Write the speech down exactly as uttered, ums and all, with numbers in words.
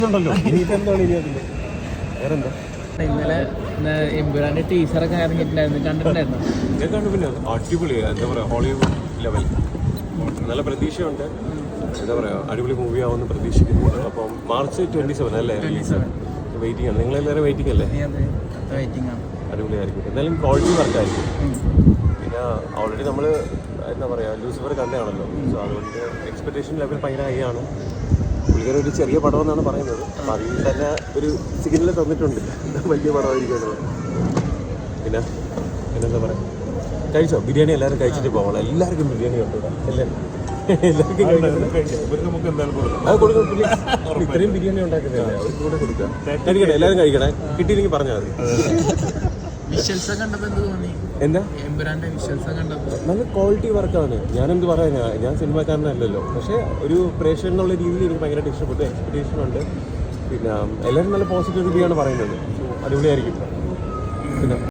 ഇന്നലെ എമ്പുരാന്റെ ടീച്ചറൊക്കെ ഇറങ്ങിയിട്ടുണ്ടായിരുന്നു, കണ്ടിട്ടുണ്ടായിരുന്നു. ഞാൻ കണ്ടു. പിന്നെ അടിപൊളിയാണ്, എന്താ പറയുക, ഹോളിവുഡ് ലെവൽ. നല്ല പ്രതീക്ഷയുണ്ട്, എന്താ പറയുക, അടിപൊളി മൂവി ആവുമെന്ന് പ്രതീക്ഷിക്കുന്നു. അപ്പം മാർച്ച് ട്വന്റി സെവൻ അല്ലേ റിലീസ്? വെയിറ്റിംഗ് ആണ്. നിങ്ങളെല്ലാവരും വെയിറ്റിംഗ് അല്ലേ? അടിപൊളിയായിരിക്കും. എന്തായാലും ക്വാളിറ്റി വർക്കായിരിക്കും. പിന്നെ ഓൾറെഡി നമ്മൾ എന്താ പറയുക, ലൂസിഫർ കണ്ടതാണല്ലോ. സോ അതുകൊണ്ട് എക്സ്പെക്ടേഷൻ ലെവൽ ഭയങ്കര ഹൈ ആണ്. പുള്ളിക്കാർ ഒരു ചെറിയ പടമെന്നാണ് പറയുന്നത്. അപ്പം അതിൽ തന്നെ ഒരു സിഗ്നൽ തന്നിട്ടുണ്ട് വലിയ പടമായിരിക്കും. പിന്നെ പിന്നെന്താ പറയുക, കഴിച്ചോ? ബിരിയാണി എല്ലാവരും കഴിച്ചിട്ട് പോകണം. എല്ലാവർക്കും ബിരിയാണി ഉണ്ട് എല്ലാവരും എല്ലാവർക്കും അത് കൊടുക്കും. ഇത്രയും ബിരിയാണി ഉണ്ടാക്കുന്നില്ല, അവർക്ക് കൂടെ കൊടുക്കുക. കഴിക്കട്ടെ, എല്ലാവരും കഴിക്കണേ. കിട്ടിയില്ലെങ്കിൽ പറഞ്ഞാൽ മതി. എന്താ നല്ല ക്വാളിറ്റി വർക്കാണ്. ഞാനെന്ത് പറയാനാ, ഞാൻ സിനിമാക്കാരനല്ലല്ലോ. പക്ഷേ ഒരു പ്രേക്ഷകൻ എന്നുള്ള രീതിയിൽ എനിക്ക് ഭയങ്കരമായിട്ട് ഇഷ്ടപ്പെട്ടു. എക്സ്പെക്ടേഷൻ ഉണ്ട്. പിന്നെ എല്ലാവരും നല്ല പോസിറ്റീവ് റിവ്യൂ ആണ് പറയുന്നത്. അടിപൊളിയായിരിക്കും. പിന്നെ